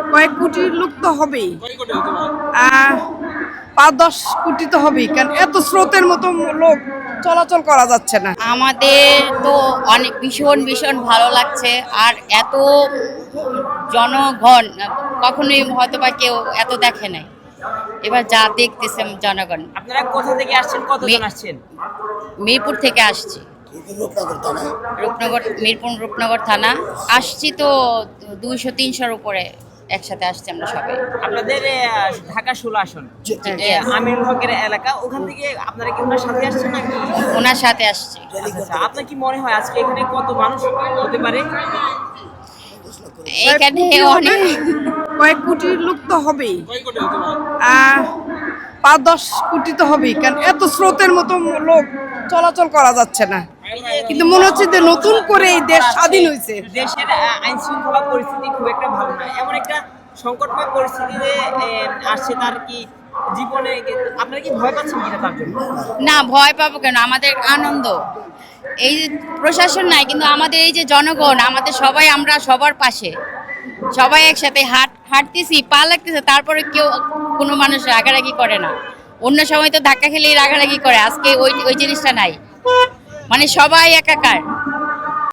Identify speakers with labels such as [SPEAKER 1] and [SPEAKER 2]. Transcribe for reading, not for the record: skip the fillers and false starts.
[SPEAKER 1] কয়েক কোটির লোক তো হবেই। 5-10 কোটি তো হবেই, কারণ এত স্রোতের মতো লোক চলাচল করা যাচ্ছে না।
[SPEAKER 2] আমাদের তো অনেক ভীষণ ভীষণ ভালো লাগছে। আর এত জনগণ কখনোই হয়তো বা কেউ এত দেখে নাই। এবার যা দেখতেছে জনগণ।
[SPEAKER 3] আপনারা কোথা থেকে আসছেন, কতজন আসছেন?
[SPEAKER 2] মিরপুর থেকে আসছি, রূপনগর থানা আসছি তো 200-300-র উপরে একসাথে আসছি আমরা সবাই।
[SPEAKER 3] আপনাদের ঢাকা 16 আসন
[SPEAKER 2] Yes.
[SPEAKER 3] আমিরুল হকের এলাকা, ওখান থেকে আপনারা কি ওনার সাথে আসছেন নাকি?
[SPEAKER 2] ওনার সাথে আসছি।
[SPEAKER 3] আচ্ছা, আপনার কি মনে হয় আজকে এখানে কত মানুষ হতে পারে?
[SPEAKER 2] এখানে অনেক
[SPEAKER 1] কয়েক কোটির লোক তো হবেই। 5-10 কোটি তো হবেই, কারণ এত স্রোতের মতো লোক চলাচল করা যাচ্ছে না। কিন্তু মনে হচ্ছে যে নতুন করে এই দেশ স্বাধীন হয়েছে।
[SPEAKER 3] দেশের আইন শৃঙ্খলা পরিস্থিতি খুব একটা ভালো নয়, এমন একটা সংকটময় পরিস্থিতিতে আসছে। তার কি জীবনে আপনারা কি ভয় পাচ্ছেন কিনা তার জন্য?
[SPEAKER 2] না, ভয় পাবো কেন? আমাদের আনন্দ। এই যে প্রশাসন নাই, কিন্তু আমাদের এই যে জনগণ, আমাদের সবাই, আমরা সবার পাশে, সবাই একসাথে হাঁটতেছি, পা লাগতেছে, তারপরে কেউ কোনো মানুষ রাগারাগি করে না। অন্য সময় তো ধাক্কা খেলেই রাগারাগি করে, আজকে ওই ওই জিনিসটা নাই। মানে সবাই একাকার।